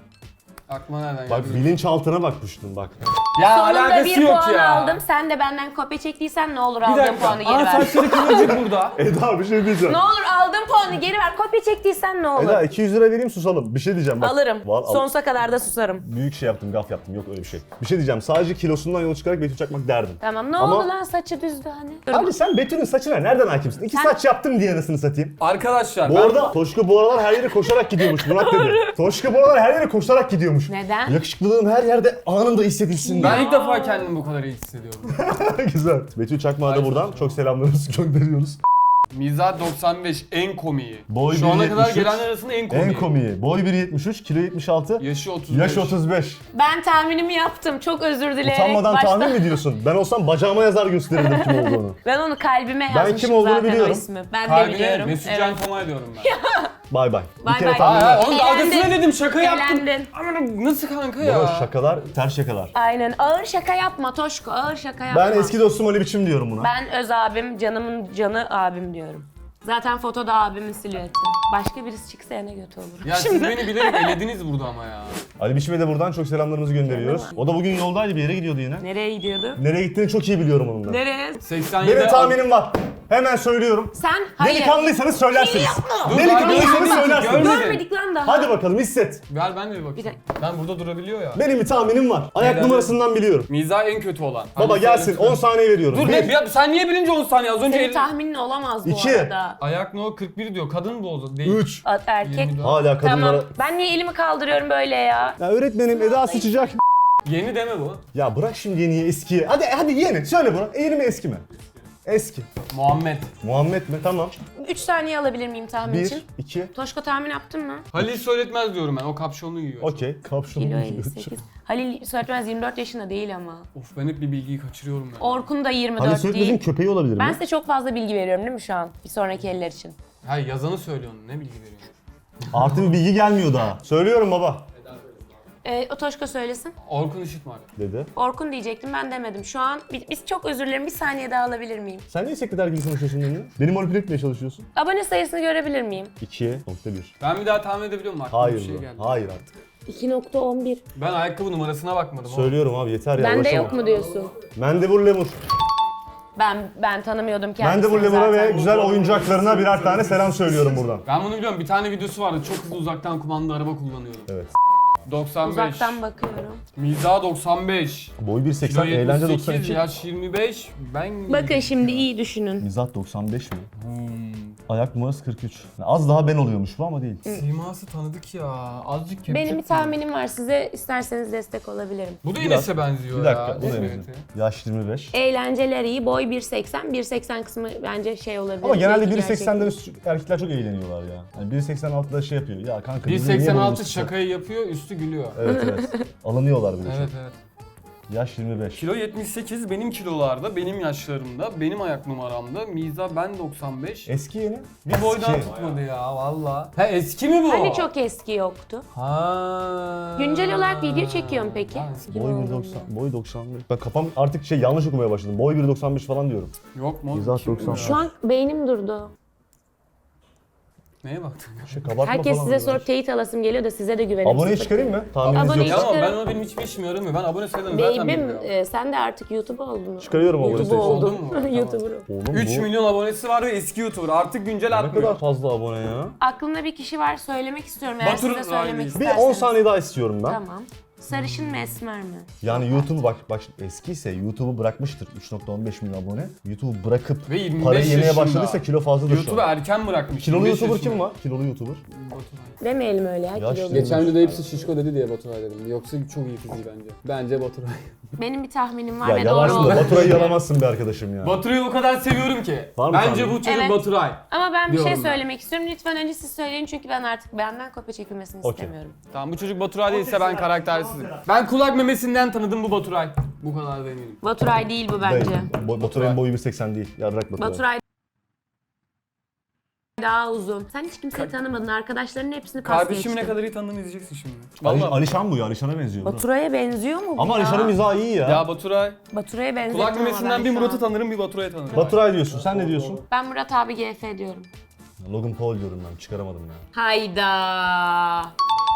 Speaker 1: Aklıma nereden
Speaker 3: Bak
Speaker 1: geldi?
Speaker 3: bilinçaltına bakmıştım bak.
Speaker 1: Ya
Speaker 4: Sonunda
Speaker 1: alakası
Speaker 4: bir
Speaker 1: yok
Speaker 4: puan
Speaker 1: ya.
Speaker 4: aldım. Sen de benden kopya çektiysen ne olur
Speaker 1: Bir
Speaker 4: aldığım
Speaker 1: dakika.
Speaker 4: puanı geri
Speaker 1: Aa
Speaker 4: ver.
Speaker 1: saçları kıvırcık burada.
Speaker 3: Eda bir şey diyeceğim.
Speaker 4: Ne olur aldığım puanı geri ver. Kopya çektiysen ne olur?
Speaker 3: Eda iki yüz lira vereyim susalım. Bir şey diyeceğim bak.
Speaker 4: Alırım.
Speaker 3: Var, al.
Speaker 4: Sonsuza kadar da susarım.
Speaker 3: Büyük şey yaptım, gaf yaptım. Yok öyle bir şey. Bir şey diyeceğim. Sadece kilosundan yola çıkarak Betül Çakmak derdim.
Speaker 4: Tamam ne
Speaker 3: Ama-
Speaker 4: oldu lan saçı düzdü hani. Dur.
Speaker 3: Abi sen Betül'ün saçına nereden hakimsin? İki
Speaker 4: Sen-
Speaker 3: saç yaptım diye anasını satayım.
Speaker 1: Arkadaşlar
Speaker 3: Bu
Speaker 1: ben...
Speaker 3: arada Toşko bu aralar her yere koşarak gidiyormuş Murat dedi. Toşko bu aralar her yere koşarak gidiyormuş.
Speaker 4: Neden?
Speaker 3: Yakışıklılığım her yerde anında hissedilsin diye.
Speaker 1: Ben ilk defa kendimi bu kadar iyi hissediyorum.
Speaker 3: Güzel. Betül Çakmak'a da
Speaker 1: Ay,
Speaker 3: buradan
Speaker 1: çok-
Speaker 3: çok selamlarımızı gönderiyoruz.
Speaker 1: Mizah doksan beş en komiği.
Speaker 3: Boy
Speaker 1: Şu ana kadar
Speaker 3: bir yetmiş üç.
Speaker 1: gelenler arasında en komiği.
Speaker 3: En komiği. Boy bir yetmiş üç, kilo yetmiş altı,
Speaker 1: Yaşı otuz beş.
Speaker 3: yaş otuz beş.
Speaker 4: Ben tahminimi yaptım. Çok özür dileyerek
Speaker 3: Utanmadan
Speaker 4: başta.
Speaker 3: tahmin mi diyorsun? Ben olsam bacağıma yazar gösterirdim kim olduğunu.
Speaker 4: Ben onu kalbime
Speaker 3: Ben
Speaker 4: yazmışım
Speaker 3: kim olduğunu
Speaker 4: zaten
Speaker 3: biliyorum.
Speaker 4: o ismi. Ben de
Speaker 1: Kalbine
Speaker 4: biliyorum.
Speaker 1: Mesut
Speaker 4: Evet.
Speaker 1: Can Tomay diyorum ben.
Speaker 3: Bay bay.
Speaker 4: Bay
Speaker 3: Bir kere
Speaker 4: bay.
Speaker 3: tahmin
Speaker 1: Aa,
Speaker 3: var.
Speaker 1: onun
Speaker 4: Eğlendin.
Speaker 1: dalgasına dedim şaka yaptım.
Speaker 4: Eğlendin.
Speaker 1: Ama nasıl kanka
Speaker 3: Baba
Speaker 1: ya?
Speaker 3: şakalar, ters şakalar.
Speaker 4: Aynen. Ağır şaka yapma Toşko. Ağır şaka yapma.
Speaker 3: Ben eski dostum Ali Biçim diyorum buna.
Speaker 4: Ben öz abim, canımın canı abim diyorum. Zaten fotoda abimin silüeti. Başka birisi çıksa ne kötü olur.
Speaker 1: Ya siz beni bilerek elediniz burada ama ya.
Speaker 3: Ali Biçim'e de buradan çok selamlarımızı gönderiyoruz. O da bugün yoldaydı bir yere gidiyordu yine.
Speaker 4: Nereye gidiyordu?
Speaker 3: Nereye gittiğini çok iyi biliyorum onun da.
Speaker 4: Nereye?
Speaker 1: seksen yedi
Speaker 3: Benim tahminim var. Hemen söylüyorum.
Speaker 4: Sen hayır.
Speaker 3: Delikanlıysanız söylersiniz.
Speaker 1: Dur,
Speaker 3: Delikanlıysanız
Speaker 1: görmedik,
Speaker 3: söylersiniz.
Speaker 1: görmedik.
Speaker 4: Görmedik lan daha.
Speaker 3: Hadi bakalım hisset.
Speaker 1: Ver ben de bir
Speaker 4: Bir
Speaker 1: bakayım.
Speaker 4: dakika.
Speaker 1: Ben burada durabiliyor ya.
Speaker 3: Benim bir tahminim var. Ayak
Speaker 1: Neden?
Speaker 3: numarasından biliyorum.
Speaker 1: Mizah en kötü olan.
Speaker 3: Baba
Speaker 1: Hadi
Speaker 3: gelsin
Speaker 1: söyle.
Speaker 3: on saniye veriyorum.
Speaker 1: Dur
Speaker 3: Bir,
Speaker 1: ne? Ya sen niye bilince on saniye? Az önce
Speaker 4: Senin
Speaker 1: el...
Speaker 4: tahminin olamaz bu
Speaker 3: İki.
Speaker 4: arada.
Speaker 1: Ayak no kırk bir diyor. Kadın bu o zaman. Değil.
Speaker 3: üç.
Speaker 4: A- Erkek.
Speaker 1: yirmi dört.
Speaker 3: Hala kadınlara...
Speaker 4: Tamam. Ben niye elimi kaldırıyorum böyle ya?
Speaker 3: Ya öğretmenim Eda sıçacak.
Speaker 1: Yeni deme bu.
Speaker 3: Ya bırak şimdi yeniyi eskiye. Hadi hadi yeni. Söyle bana. Yeni mi eski mi? Eski.
Speaker 1: Muhammed.
Speaker 3: Muhammed mi? Tamam.
Speaker 4: üç saniye alabilir miyim tahmin
Speaker 3: Bir,
Speaker 4: için?
Speaker 3: iki.
Speaker 4: Toşko tahmin yaptın mı?
Speaker 1: Halil söyletmez diyorum ben. O kapşonlu giyiyor.
Speaker 3: Okey. Kapşonu
Speaker 4: Kilo
Speaker 3: giyiyor.
Speaker 4: elli sekiz. Halil Söğütmez yirmi dört yaşında değil ama.
Speaker 1: Of ben hep bir bilgiyi kaçırıyorum ya.
Speaker 4: Orkun da yirmi
Speaker 3: Hani
Speaker 4: dört
Speaker 3: Söğütmez'in
Speaker 4: değil.
Speaker 3: köpeği olabilir mi?
Speaker 4: Ben size çok fazla bilgi veriyorum değil mi şu an? Bir sonraki eller için.
Speaker 1: Hayır yazanı söylüyorsun. Ne bilgi veriyorsun?
Speaker 3: Artı bir bilgi gelmiyor daha. Söylüyorum baba.
Speaker 4: Ee, Otoşko söylesin.
Speaker 1: Orkun Işıtmak.
Speaker 3: Dedi.
Speaker 4: Orkun diyecektim, ben demedim. Şu an biz, biz çok özür dilerim, bir saniye daha alabilir miyim?
Speaker 3: Sen niye sekreter gibi konuşuyorsun benimle? Beni manipüle etmeye çalışıyorsun.
Speaker 4: Abone sayısını görebilir miyim?
Speaker 3: ikiye nokta bir.
Speaker 1: Ben bir daha tahmin edebiliyor muyum? Aklıma
Speaker 3: Hayır
Speaker 1: bir şey
Speaker 3: bu.
Speaker 1: geldi.
Speaker 3: Hayır artık.
Speaker 4: iki nokta on bir.
Speaker 1: Ben ayakkabı numarasına bakmadım. oğlum.
Speaker 3: Söylüyorum abi yeter ya.
Speaker 4: Bende
Speaker 3: uğraşamam.
Speaker 4: yok mu diyorsun?
Speaker 3: Mendebur Lemur.
Speaker 4: Ben ben tanımıyordum kendisini
Speaker 3: Mendebur Lemur'a
Speaker 4: zaten.
Speaker 3: ve güzel oyuncaklarına birer tane selam söylüyorum buradan.
Speaker 1: Ben bunu biliyorum. Bir tane videosu vardı. Çok hızlı uzaktan kumandalı araba kullanıyorum.
Speaker 3: Evet.
Speaker 1: doksan beş.
Speaker 4: Uzaktan bakıyorum.
Speaker 1: Mizah doksan beş.
Speaker 3: Boy bir seksen,
Speaker 1: Kilo
Speaker 3: eğlence
Speaker 1: yetmiş
Speaker 3: doksan
Speaker 1: sekiz,
Speaker 3: iki.
Speaker 1: yaş yirmi beş. Ben...
Speaker 4: Bakın şimdi iyi düşünün.
Speaker 3: Mizah doksan beş mi?
Speaker 1: Hmm.
Speaker 3: Ayak numarası kırk üç. Az daha ben oluyormuş bu ama değil.
Speaker 1: Siması tanıdık ya. Azıcık kemik.
Speaker 4: Benim bir tahminim var, size isterseniz destek olabilirim.
Speaker 1: Bu da
Speaker 3: Biraz-
Speaker 1: Enes'e benziyor
Speaker 3: Bir
Speaker 1: ya.
Speaker 3: dakika, bu da
Speaker 1: Evet.
Speaker 3: benziyor. Yaş yirmi beş.
Speaker 4: Eğlenceler iyi, boy bir seksen. bir seksen kısmı bence şey olabilir.
Speaker 3: Ama genelde
Speaker 4: belki
Speaker 3: bir seksenden
Speaker 4: gerçek.
Speaker 3: üstü erkekler çok eğleniyorlar ya. Yani bir seksen altıda şey yapıyor. Ya kanka
Speaker 1: bir
Speaker 3: bizi niye
Speaker 1: seksen altı
Speaker 3: buldun size?
Speaker 1: şakayı yapıyor, üstü gülüyor.
Speaker 3: Evet evet. Alınıyorlar bir de.
Speaker 1: Evet
Speaker 3: çok.
Speaker 1: evet.
Speaker 3: Yaş yirmi beş.
Speaker 1: Kilo yetmiş sekiz benim kilolarda, benim yaşlarımda, benim ayak numaramda. Mizah ben doksan beş.
Speaker 3: Eski yeni.
Speaker 1: Bir boydan
Speaker 3: Eski.
Speaker 1: tutmadı ya valla. Ha eski mi bu?
Speaker 4: Hani çok eski yoktu.
Speaker 1: Ha.
Speaker 4: Güncel olarak video çekiyorum peki.
Speaker 1: Ha, eski.
Speaker 3: Boy bir doksan, boy doksan beş. Ben kafam artık şey yanlış okumaya başladım. Boy bir doksan beş falan diyorum.
Speaker 1: Yok mu?
Speaker 3: Mizah
Speaker 1: Kim bu
Speaker 3: doksan.
Speaker 1: ya?
Speaker 4: Şu an beynim durdu.
Speaker 1: Neye baktın?
Speaker 3: Şey kabartma
Speaker 4: Herkes
Speaker 3: falan
Speaker 4: size
Speaker 3: diyor.
Speaker 4: sorup teyit alasım geliyor da size de güvenim
Speaker 3: Aboneyi
Speaker 4: sıfır.
Speaker 3: çıkarayım mı? Tahmininiz
Speaker 4: Aboneyi
Speaker 3: yok.
Speaker 1: Ya ama ben
Speaker 4: Çıkarın.
Speaker 1: ona benim hiçbir işime yaramıyor. Ben abone sayılarını zaten
Speaker 4: Beybim,
Speaker 1: bilmiyorum.
Speaker 4: e, sen de artık YouTube oldun.
Speaker 3: Çıkarıyorum abone
Speaker 4: YouTube
Speaker 3: sayısını.
Speaker 1: Oldun
Speaker 4: oldun.
Speaker 1: mu? Tamam.
Speaker 4: YouTuber.
Speaker 3: Oğlum
Speaker 1: üç
Speaker 3: bu
Speaker 1: milyon abonesi var ve eski YouTuber. Artık güncel
Speaker 3: ne
Speaker 1: atmıyor.
Speaker 3: kadar fazla abone ya.
Speaker 4: Aklımda bir kişi var, söylemek istiyorum eğer
Speaker 1: Batur
Speaker 4: siz de söylemek
Speaker 1: Rahmi.
Speaker 3: Bir
Speaker 4: isterseniz.
Speaker 3: on saniye daha istiyorum ben.
Speaker 4: Tamam. Sarışın mı esmer mi?
Speaker 3: Yani YouTube'u bak bak eskiyse YouTube'u bırakmıştır. üç nokta on beş milyon abone. YouTube'u bırakıp
Speaker 1: Ve yirmi beş
Speaker 3: parayı yemeye
Speaker 1: yaşında.
Speaker 3: başladıysa kilo fazladır şu
Speaker 1: YouTube'u
Speaker 3: an.
Speaker 1: erken bırakmış.
Speaker 3: Kilolu
Speaker 1: yirmi beş
Speaker 3: YouTuber
Speaker 1: yaşında.
Speaker 3: kim var? Kilolu YouTuber.
Speaker 4: Demeyelim öyle ya.
Speaker 3: Yaşlı.
Speaker 4: kilolu.
Speaker 1: Geçen videoda hepsi şişko dedi diye Baturay dedim. Yoksa çok iyi fiziği bence. Bence Baturay.
Speaker 4: Benim bir tahminim var
Speaker 3: Ya
Speaker 4: ve doğru
Speaker 3: yalarsın
Speaker 4: oldu.
Speaker 3: da Baturay'ı yalamazsın be arkadaşım ya.
Speaker 1: Baturay'ı o kadar seviyorum ki.
Speaker 3: Var mı
Speaker 1: Bence
Speaker 3: tahmin?
Speaker 1: bu çocuk
Speaker 4: Evet.
Speaker 1: Baturay.
Speaker 4: Ama ben bir şey
Speaker 1: Diyorum ben.
Speaker 4: söylemek istiyorum. Lütfen önce siz söyleyin çünkü ben artık benden kopya çekilmesini
Speaker 3: Okey.
Speaker 4: istemiyorum.
Speaker 1: Tamam bu çocuk Baturay değilse ben karaktersizim. Ben kulak memesinden tanıdım bu Baturay. Bu kadar da eminim.
Speaker 4: Baturay değil bu bence.
Speaker 3: Değil. Bo- Baturay'ın boyu bir seksen değil. Yarrak Baturay.
Speaker 4: Baturay daha uzun. Sen hiç kimseyi tanımadın. Arkadaşlarının hepsini pas
Speaker 1: Kardeşimi ne
Speaker 4: geçtin.
Speaker 1: kadar iyi tanıdığını izleyeceksin şimdi.
Speaker 3: Ali,
Speaker 1: Vallahi.
Speaker 3: Alişan bu ya. Alişan'a benziyor. bu.
Speaker 4: Baturay'a benziyor mu bu
Speaker 3: Ama
Speaker 4: ya?
Speaker 3: Alişan'ın mizahı iyi ya.
Speaker 1: Ya Baturay.
Speaker 4: Baturay'a benziyor
Speaker 1: Kulak memesinden bir Murat'ı tanırım bir Baturay'ı tanırım.
Speaker 3: Baturay diyorsun. Sen ne diyorsun?
Speaker 4: Ben Murat abi G F diyorum.
Speaker 3: Logan Paul diyorum ben. Çıkaramadım ya.
Speaker 4: Hayda.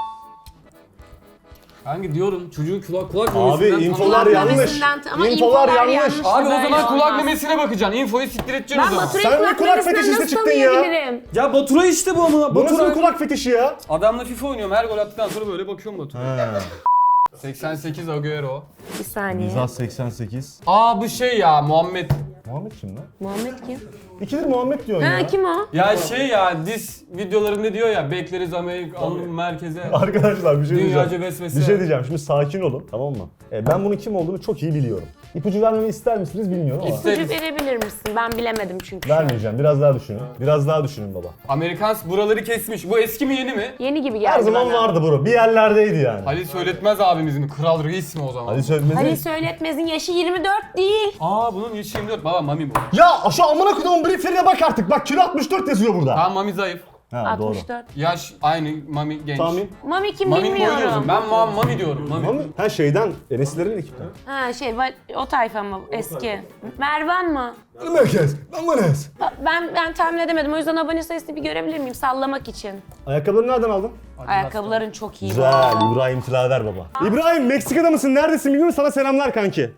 Speaker 1: Hangi diyorum çocuğun kulak kulak
Speaker 3: Abi
Speaker 1: memesinden
Speaker 3: infolar
Speaker 1: tanıdım.
Speaker 3: yanlış.
Speaker 4: memesinden- ama
Speaker 3: İnfolar
Speaker 4: infolar
Speaker 3: yanlış.
Speaker 4: yanlış.
Speaker 1: Abi o
Speaker 4: Böyle
Speaker 1: zaman kulak
Speaker 4: olmaz.
Speaker 1: memesine bakacaksın. Infoyu siktir edeceksin o
Speaker 4: Ben
Speaker 1: zaman.
Speaker 4: Baturay'ı
Speaker 3: Sen
Speaker 4: kulak,
Speaker 3: bir kulak
Speaker 4: memesinden
Speaker 3: fetişisti
Speaker 4: nasıl
Speaker 3: çıktın ya.
Speaker 4: tanıyabilirim?
Speaker 1: Ya Baturay işte bu ama.
Speaker 3: Bu nasıl
Speaker 1: Baturay.
Speaker 3: bir kulak fetişi ya?
Speaker 1: Adamla FIFA oynuyorum. Her gol attıktan sonra böyle bakıyorum Baturay'a.
Speaker 3: He.
Speaker 1: seksen sekiz Agüero.
Speaker 4: Bir saniye.
Speaker 3: Mizah seksen sekiz.
Speaker 1: Aa bu şey ya Muhammed.
Speaker 3: Muhammed kim lan?
Speaker 4: Muhammed kim?
Speaker 3: İkidir Muhammed diyorsun
Speaker 4: Ha
Speaker 3: ya.
Speaker 4: kim o?
Speaker 1: Ya şey ya dis videolarında diyor ya bekleriz Amerika merkeze.
Speaker 3: Arkadaşlar bir şey
Speaker 1: Dünyaca
Speaker 3: diyeceğim.
Speaker 1: vesvese.
Speaker 3: Bir şey diyeceğim. Şimdi sakin olun, tamam mı? E, ben bunun kim olduğunu çok iyi biliyorum. İpucu vermemi ister misiniz bilmiyorum ama.
Speaker 1: İster-
Speaker 4: İpucu verebilir misin? Ben bilemedim çünkü.
Speaker 3: Vermeyeceğim. Biraz daha düşünün. Biraz daha düşünün baba.
Speaker 1: Amerikans buraları kesmiş. Bu eski mi yeni mi?
Speaker 4: Yeni gibi geldi
Speaker 3: Her zaman
Speaker 4: bana.
Speaker 3: vardı bro. Bir yerlerdeydi yani.
Speaker 1: Halil Söyletmez abimizin mi? Kral Reis mi o zaman?
Speaker 3: Ali Söyletmez'in...
Speaker 4: Halil Söyletmez'in yaşı yirmi dört değil.
Speaker 1: Aa bunun yaşı yirmi dört. Baba Mami bu.
Speaker 3: Ya şu amına koyduğum brieflerine bak artık. Bak kilo altmış dört yazıyor burada.
Speaker 1: Tamam Mami zayıf.
Speaker 3: Ha doğru.
Speaker 4: altmış dört.
Speaker 1: Yaş aynı Mami genç.
Speaker 3: Tahmin.
Speaker 4: Mami kim
Speaker 1: Mami'nin boyu
Speaker 4: bilmiyorum.
Speaker 1: diyorsun. Ben Mami, Mami diyorum. Mami.
Speaker 3: Mami. Ha şeyden, Enes'lerin ekipten.
Speaker 4: Ha şey va- o tayfa mı? Eski. Mervan mı?
Speaker 3: Merkez. Ben Enes.
Speaker 4: Ben ben tahmin edemedim. O yüzden abone sayısını bir görebilir miyim sallamak için?
Speaker 3: Ayakkabıları nereden aldın?
Speaker 4: Ayakkabıların çok iyi. bu
Speaker 3: Güzel.
Speaker 4: arada.
Speaker 3: İbrahim Tilaver baba. İbrahim Meksika'da mısın? Neredesin bilmiyorum. Sana selamlar kanki.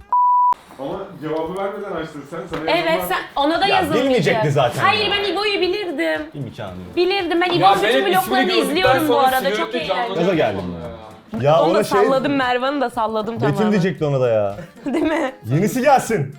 Speaker 2: Ama cevabı vermeden açtın sen. Sana
Speaker 4: Evet
Speaker 2: yazılan-
Speaker 4: sen ona da
Speaker 3: Ya,
Speaker 4: yazılmayacak.
Speaker 3: bilmeyecekti zaten
Speaker 4: Hayır
Speaker 3: ya.
Speaker 4: ben İbo'yu bilirdim.
Speaker 3: İmkanı yok.
Speaker 4: Bilirdim. Ben
Speaker 1: Ya
Speaker 4: İbo'nun
Speaker 1: benim
Speaker 4: bütün
Speaker 1: ismini
Speaker 4: vloglarını
Speaker 1: gördükten
Speaker 4: izliyorum bu
Speaker 1: sonra
Speaker 4: arada. Çok
Speaker 1: sigarette canlanıyor
Speaker 4: eğlenceli.
Speaker 3: Gaza geldim
Speaker 1: kafamda
Speaker 3: ya. Ya
Speaker 4: Onu
Speaker 3: ona
Speaker 4: da
Speaker 3: şey...
Speaker 4: salladım, Mervan'ı da salladım
Speaker 3: Metin
Speaker 4: tamamen.
Speaker 3: diyecekti ona da ya.
Speaker 4: Değil mi?
Speaker 3: Yenisi gelsin.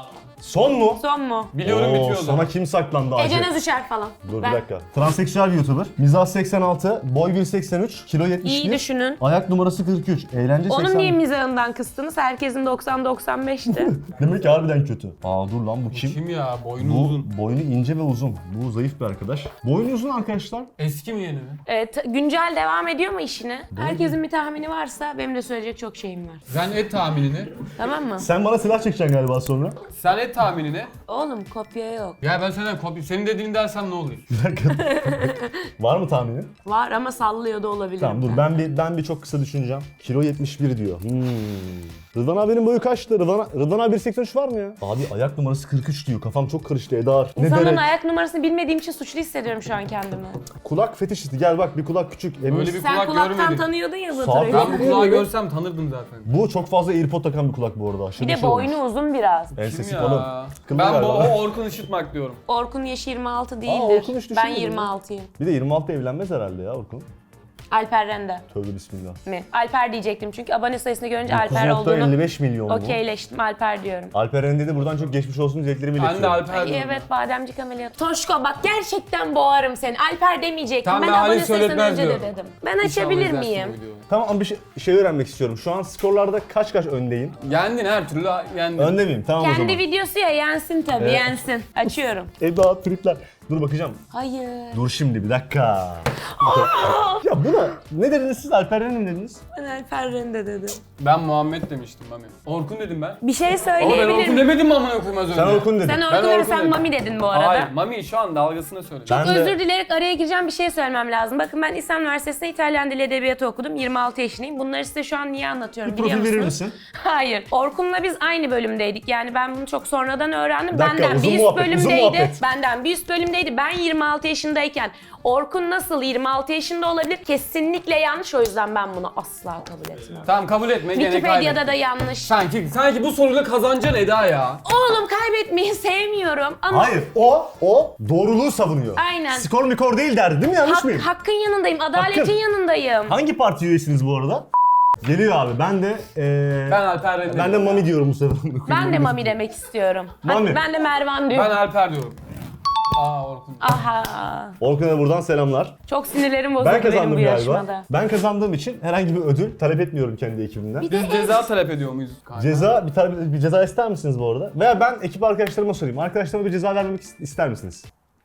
Speaker 3: Son mu?
Speaker 4: Son mu?
Speaker 1: Biliyorum
Speaker 3: Oo,
Speaker 1: bitiyor o zaman.
Speaker 3: sana kim saklandı acı?
Speaker 4: Ece Özüşer falan.
Speaker 3: Dur
Speaker 4: Ben-
Speaker 3: bir dakika. Transseksüel bir YouTuber. Mizah seksen altı, boy bir seksen üç, kilo yetmiş bir.
Speaker 4: İyi düşünün.
Speaker 3: Ayak numarası kırk üç, eğlence
Speaker 4: Onun
Speaker 3: seksen.
Speaker 4: niye mizahından kıstınız? Herkesin doksan doksan beşti.
Speaker 3: Demek ki harbiden kötü. Aa dur lan bu kim?
Speaker 1: Kim ya? Boynu
Speaker 3: Bu
Speaker 1: uzun.
Speaker 3: boynu ince ve uzun. Bu zayıf bir arkadaş. Boynu uzun arkadaşlar.
Speaker 1: Eski mi yeni mi?
Speaker 4: Evet, güncel devam ediyor mu işine? Herkesin bir tahmini varsa benim de söyleyecek çok şeyim var.
Speaker 1: Sen et tahminini.
Speaker 4: Tamam mı?
Speaker 3: Sen bana silah çekeceksin galiba sonra.
Speaker 1: Sen et et tahminini.
Speaker 4: Oğlum kopya yok.
Speaker 1: Ya ben senden kopya, senin dediğini dersem ne olur?
Speaker 3: Bir dakika. Var mı tahminin?
Speaker 4: Var ama sallıyor da olabilir.
Speaker 3: Tamam dur ben bir ben bir çok kısa düşüneceğim. Kilo yetmiş bir diyor. Hmm. Rıdvan abinin boyu kaçtı? Rıdvan, Rıdvan abi bir seksen üç var mı ya? Abi ayak numarası kırk üç diyor. Kafam çok karıştı Edar. Ne
Speaker 4: İnsanların
Speaker 3: derek?
Speaker 4: ayak numarasını bilmediğim için suçlu hissediyorum şu an kendimi.
Speaker 3: Kulak fetişisti. Gel bak bir kulak küçük. Emin
Speaker 1: Öyle bir
Speaker 4: Sen
Speaker 1: kulak
Speaker 4: kulaktan
Speaker 1: görmedim.
Speaker 4: tanıyordun ya
Speaker 3: Sağ-
Speaker 4: Baturay'ı.
Speaker 1: Ben bu kulağı görsem tanırdım zaten.
Speaker 3: Bu çok fazla AirPod takan bir kulak bu arada. Aşırı
Speaker 4: Bir de
Speaker 3: şey olmuş.
Speaker 4: boynu uzun biraz.
Speaker 3: Ensesi
Speaker 1: Kim
Speaker 3: kalın.
Speaker 1: ya?
Speaker 3: Kıllı
Speaker 1: Ben bu
Speaker 3: galiba.
Speaker 1: o Orkun Işıtmak diyorum.
Speaker 4: Orkun yaşı yirmi altı
Speaker 3: Aa,
Speaker 4: değildir.
Speaker 3: Orkun hiç
Speaker 4: ben
Speaker 3: düşünmedim
Speaker 4: yirmi
Speaker 3: ya.
Speaker 4: altıyım.
Speaker 3: Bir de yirmi altıda evlenmez herhalde ya Orkun.
Speaker 4: Alper Rende
Speaker 3: Tövbe bismillah.
Speaker 4: mi? Alper diyecektim çünkü abone sayısını görünce Alper
Speaker 3: dokuz nokta elli
Speaker 4: olduğunu
Speaker 3: beş milyon mu?
Speaker 4: okeyleştim. Alper diyorum.
Speaker 3: Alper Rende de buradan çok geçmiş olsun dileklerimi
Speaker 1: Ben de
Speaker 3: iletiyorum.
Speaker 1: Alper
Speaker 4: Ay,
Speaker 1: diyorum.
Speaker 4: evet bademcik ameliyatı. Toşko bak gerçekten boğarım seni. Alper demeyecektim.
Speaker 1: Tamam,
Speaker 4: ben
Speaker 1: ben
Speaker 4: abone
Speaker 1: Ali
Speaker 4: sayısından
Speaker 1: Söyletmez
Speaker 4: önce de
Speaker 1: diyorum.
Speaker 4: dedim. Ben
Speaker 1: İnşallah
Speaker 4: açabilir
Speaker 1: izlersin
Speaker 4: miyim?
Speaker 1: bu videoyu.
Speaker 3: Tamam ama bir şey, şey öğrenmek istiyorum. Şu an skorlarda kaç kaç öndeyim?
Speaker 1: Yendin her türlü yendin.
Speaker 3: Önde miyim? Tamam o
Speaker 4: Kendi
Speaker 3: zaman.
Speaker 4: videosu ya yensin tabii
Speaker 3: Evet.
Speaker 4: yensin. Açıyorum.
Speaker 3: Eda tripler. Dur bakacağım.
Speaker 4: Hayır.
Speaker 3: Dur şimdi bir dakika. Ya buna ne dediniz siz? Alper Rende mi dediniz?
Speaker 4: Ben Alper Rende dedim.
Speaker 1: Ben Muhammed demiştim Mami. Orkun dedim ben.
Speaker 4: Bir şey
Speaker 1: Ama ben
Speaker 4: söyleyebilir
Speaker 1: Orkun
Speaker 4: miyim?
Speaker 1: demedim mi amına koyayım az önce?
Speaker 3: Sen Orkun dedin.
Speaker 4: Sen
Speaker 1: Ben
Speaker 4: Orkun dedin,
Speaker 1: Orkun
Speaker 4: sen
Speaker 1: dedim.
Speaker 4: Mami dedin bu arada.
Speaker 1: Hayır, Mami şu an dalgasına söyledi.
Speaker 3: Ben de-
Speaker 4: Özür dileyerek araya gireceğim, bir şey söylemem lazım. Bakın ben İslam Üniversitesi'nde İtalyan Dili Edebiyatı okudum. yirmi altı yaşındayım. Bunları size şu an niye anlatıyorum
Speaker 3: Bir
Speaker 4: biliyor
Speaker 3: profil verir
Speaker 4: musunuz?
Speaker 3: misin?
Speaker 4: Hayır. Orkun'la biz aynı bölümdeydik. Yani ben bunu çok sonradan öğrendim.
Speaker 3: Bir dakika,
Speaker 4: Benden
Speaker 3: uzun
Speaker 4: bir üst
Speaker 3: muhabbet, uzun
Speaker 4: bölümdeydi.
Speaker 3: muhabbet.
Speaker 4: Benden bir üst bölümdeydi. Ben yirmi altı yaşındayken Orkun nasıl yirmi altı yaşında olabilir? Kesinlikle yanlış. O yüzden ben bunu asla kabul etmem.
Speaker 1: Tamam kabul etme gene
Speaker 4: Wikipedia'da
Speaker 1: kaybettin.
Speaker 4: da yanlış.
Speaker 1: Sanki, sanki bu soruyla kazanacaksın Eda ya.
Speaker 4: Oğlum kaybetmeyi sevmiyorum ama
Speaker 3: Hayır o o doğruluğu savunuyor.
Speaker 4: Aynen.
Speaker 3: Skor mikor değil derdi değil mi? Yanlış
Speaker 4: hak-
Speaker 3: mıyım?
Speaker 4: hakkın yanındayım, adaletin
Speaker 3: Hakkın.
Speaker 4: yanındayım.
Speaker 3: Hangi parti üyesiniz bu arada? Geliyor abi. Ben de eee
Speaker 1: Ben Alper Rende
Speaker 3: ben de
Speaker 1: diyorum.
Speaker 3: Mami diyorum bu sefer.
Speaker 4: Ben de Mami demek istiyorum.
Speaker 3: Mami.
Speaker 4: Hadi ben de Mervan
Speaker 1: Ben
Speaker 4: diyorum.
Speaker 1: Alper diyorum. Aa Orkun.
Speaker 4: Aha.
Speaker 3: Orkun'a buradan selamlar.
Speaker 4: Çok sinirlerim bozuldu
Speaker 3: Ben
Speaker 4: benim bu
Speaker 3: kazandım
Speaker 4: yarışmada.
Speaker 3: galiba. Ben kazandığım için herhangi bir ödül talep etmiyorum kendi ekibimden.
Speaker 4: Bir de
Speaker 1: Biz ceza talep ediyor muyuz? Kanka?
Speaker 3: Ceza bir, tane, bir ceza ister misiniz bu arada? Veya ben ekip arkadaşlarıma sorayım. Arkadaşlarıma bir ceza vermek is- ister misiniz?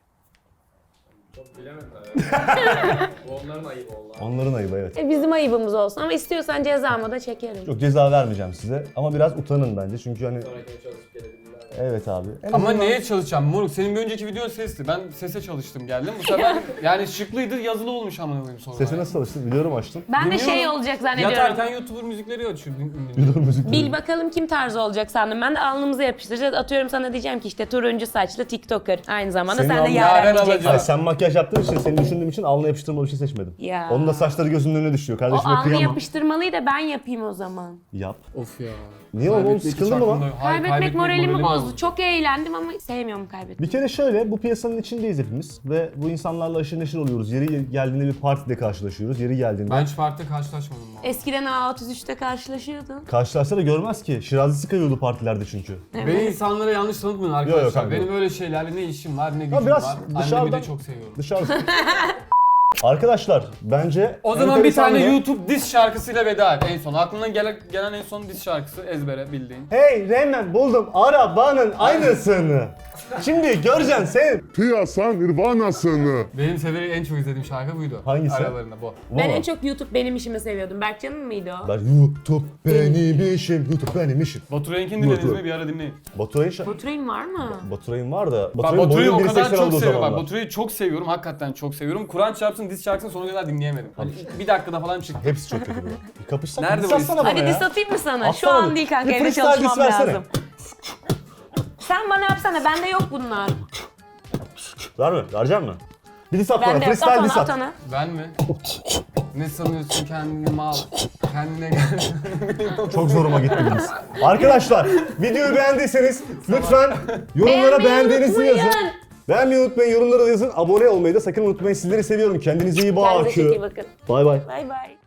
Speaker 2: Onların ayıbı oldu.
Speaker 3: Onların ayıbı evet.
Speaker 4: E, bizim ayıbımız olsun ama istiyorsan cezamı da çekerim.
Speaker 3: Yok ceza vermeyeceğim size ama biraz utanın bence çünkü hani evet abi. En
Speaker 1: Ama
Speaker 3: azından-
Speaker 1: neye çalışacağım moruk? Senin bir önceki videon sesti. Ben sese çalıştım geldim. Bu sefer yani şıklıydı yazılı olmuş amına koyayım sonra.
Speaker 3: Sesi nasıl çalıştın? Biliyorum açtım.
Speaker 4: Ben de
Speaker 1: Dinliyorum.
Speaker 4: şey olacak zannediyorum.
Speaker 1: Yatarken YouTuber müzikleri açıyor. din- dinliyorum.
Speaker 3: Biliyorum müzik.
Speaker 4: Bil bakalım kim tarzı olacak sandım. Ben de alnımıza yapıştıracağız. Atıyorum sana diyeceğim ki işte turuncu saçlı TikToker. Aynı zamanda
Speaker 3: Senin
Speaker 4: sen de
Speaker 3: alnın-
Speaker 4: Yaren
Speaker 1: Yaren
Speaker 4: diyeceksin.
Speaker 1: alacak.
Speaker 3: Ay sen makyaj yaptığın için seni düşündüğüm için alnına yapıştırmalı bir şey seçmedim.
Speaker 4: Ya.
Speaker 3: Onun da saçları gözünün önüne düşüyor.
Speaker 4: O
Speaker 3: Kardeşime
Speaker 4: alnı
Speaker 3: kıyamam.
Speaker 4: yapıştırmalıyı da ben yapayım o zaman.
Speaker 3: Yap.
Speaker 1: Of ya.
Speaker 3: Niye oğlum?
Speaker 1: Kaybetmek
Speaker 3: Sıkıldın
Speaker 1: hiç
Speaker 3: mı lan?
Speaker 1: aklımda yok. Hayır,
Speaker 4: Kaybetmek
Speaker 1: kaybetmek
Speaker 4: moralimi bozdu.
Speaker 1: bozdu.
Speaker 4: Çok eğlendim ama sevmiyorum kaybetmeyi.
Speaker 3: Bir kere şöyle, bu piyasanın içindeyiz hepimiz ve bu insanlarla aşırı neşir oluyoruz. Yeri geldiğinde bir partide karşılaşıyoruz. Yeri geldiğinde
Speaker 1: Ben hiç partide karşılaşmadım. bu arada.
Speaker 4: Eskiden A otuz üçte karşılaşıyordun.
Speaker 3: karşılaşsa da görmez ki. Şirazi sıkıyordu partilerde çünkü.
Speaker 1: Beni insanlara yanlış tanıtmayın
Speaker 3: Yok,
Speaker 1: arkadaşlar.
Speaker 3: yok, kanka.
Speaker 1: Benim öyle şeylerle ne işim var ne gücüm
Speaker 3: biraz
Speaker 1: var. Annemi
Speaker 3: dışarıdan-
Speaker 1: de çok seviyorum.
Speaker 3: Dışarısı. Arkadaşlar bence
Speaker 1: O zaman bir tane
Speaker 3: enteresandı.
Speaker 1: YouTube diss şarkısıyla veda et en son. Aklına gelen, gelen en son diss şarkısı ezbere bildiğin.
Speaker 3: Hey Reymen buldum arabanın aynısını. Şimdi göreceksin sen.
Speaker 2: Piyasa nirvanasını.
Speaker 1: Benim severek en çok izlediğim şarkı buydu.
Speaker 3: Hangisi?
Speaker 1: Aralarında bu.
Speaker 4: Ben en çok YouTube benim işimi seviyordum. Berkcan'ın mıydı o?
Speaker 3: Ben YouTube benim işim, YouTube benim işim.
Speaker 1: Baturay'ınkini dinlediniz mi? Bir ara dinleyin.
Speaker 3: Baturay'ın şa-
Speaker 4: Baturay'ın var mı?
Speaker 3: Baturay'ın var da.
Speaker 1: Bak
Speaker 3: Baturay'ın
Speaker 1: Baturay'ı
Speaker 3: boyu
Speaker 1: o kadar
Speaker 3: bir seksen
Speaker 1: çok
Speaker 3: oldu o
Speaker 1: seviyorum. Bak
Speaker 3: zamanlar.
Speaker 1: Baturay'ı çok seviyorum. Hakikaten çok seviyorum. Kur'an çarpsın diss şarkısını sonuna kadar dinleyemedim. Hani bir dakikada falan çıktı.
Speaker 3: Hepsi çok kötü. Bir kapışsak.
Speaker 1: Nerede
Speaker 3: Nerede
Speaker 1: bu
Speaker 3: atsana bana
Speaker 4: Hadi
Speaker 3: ya.
Speaker 4: diss atayım mı sana? Şu
Speaker 3: Atsana
Speaker 4: an
Speaker 3: bir-
Speaker 4: değil kanka,
Speaker 3: bir
Speaker 4: evde
Speaker 3: freestyle
Speaker 4: çalışmam
Speaker 3: diss versene.
Speaker 4: lazım. Sen bana yapsana, bende yok bunlar.
Speaker 3: Ver mi? Verecek mi? Bir diss at bana.
Speaker 4: Bende yok. At
Speaker 3: Freestyle
Speaker 4: onu,
Speaker 3: diss
Speaker 4: at
Speaker 3: at.
Speaker 4: onu.
Speaker 1: Ben mi? Ne sanıyorsun kendini mal? Kendine gel.
Speaker 3: Çok zoruma gitti bu diss. Arkadaşlar videoyu beğendiyseniz lütfen yorumlara
Speaker 4: Beğenmeyi
Speaker 3: beğendiğinizi
Speaker 4: unutmayın.
Speaker 3: yazın. Beğenmeyi unutmayın, yorumlara da yazın. Abone olmayı da sakın unutmayın. Sizleri seviyorum. Kendinize iyi
Speaker 4: Kendinize çok iyi
Speaker 3: bakın.
Speaker 4: bakın.
Speaker 3: Bay bay.
Speaker 4: Bay bay.